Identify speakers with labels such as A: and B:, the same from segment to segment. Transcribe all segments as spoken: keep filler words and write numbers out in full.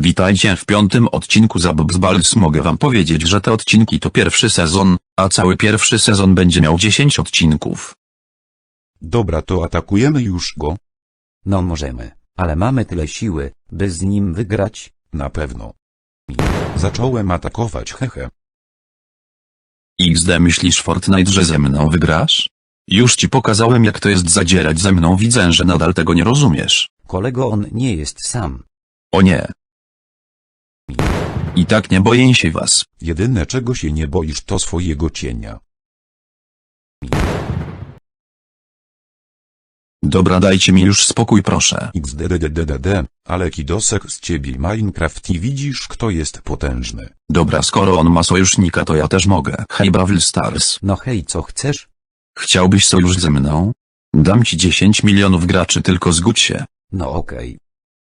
A: Witajcie w piątym odcinku Zabobzbals. Mogę wam powiedzieć, że te odcinki to pierwszy sezon, a cały pierwszy sezon będzie miał dziesięć odcinków.
B: Dobra, to atakujemy już go?
C: No możemy, ale mamy tyle siły, by z nim wygrać?
B: Na pewno. Zacząłem atakować, hehe.
A: X D, myślisz Fortnite, że ze mną wygrasz? Już ci pokazałem, jak to jest zadzierać ze mną, widzę, że nadal tego nie rozumiesz.
C: Kolego, on nie jest sam.
A: O nie. I tak nie boję się was.
B: Jedyne czego się nie boisz to swojego cienia.
A: Dobra, dajcie mi już spokój, proszę.
B: Xddddd, ale kidosek z ciebie Minecraft i widzisz, kto jest potężny.
A: Dobra, skoro on ma sojusznika, to ja też mogę. Hej Brawl Stars.
C: No hej, co chcesz?
A: Chciałbyś sojusz ze mną? Dam ci dziesięć milionów graczy, tylko zgódź się.
C: No okej.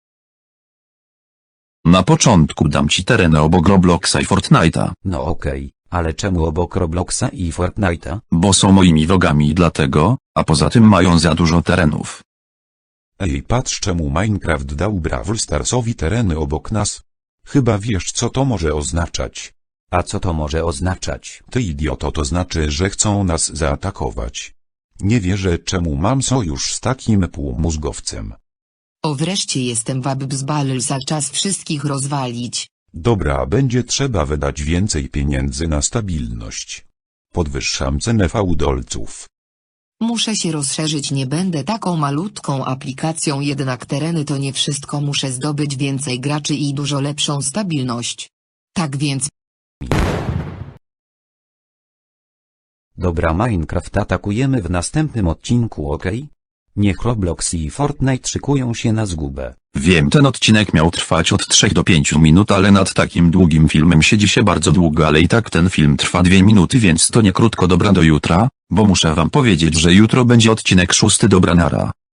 A: Na początku dam ci tereny obok Robloxa i Fortnite'a,
C: No okej, ale czemu obok Robloxa i Fortnite'a?
A: bo są moimi wrogami i dlatego, a poza tym mają za dużo terenów.
B: Ej, patrz, czemu Minecraft dał Brawl Starsowi tereny obok nas. Chyba wiesz, co to może oznaczać.
C: A co to może oznaczać?
B: Ty idioto, to znaczy, że chcą nas zaatakować. Nie wierzę, czemu mam sojusz z takim półmózgowcem.
D: O, wreszcie jestem Babybzbals, a czas wszystkich rozwalić.
B: Dobra, będzie trzeba wydać więcej pieniędzy na stabilność. Podwyższam cenę fałdolców.
D: Muszę się rozszerzyć, nie będę taką malutką aplikacją, jednak tereny to nie wszystko, muszę zdobyć więcej graczy i dużo lepszą stabilność. Tak więc...
C: Dobra, Minecraft atakujemy w następnym odcinku, okej? Niech Roblox i Fortnite szykują się na zgubę.
A: Wiem, ten odcinek miał trwać od trzech do pięciu minut, ale nad takim długim filmem siedzi się bardzo długo, ale i tak ten film trwa dwie minuty, więc to nie krótko. Dobra, do jutra, bo muszę wam powiedzieć, że jutro będzie odcinek szósty. Dobra, nara.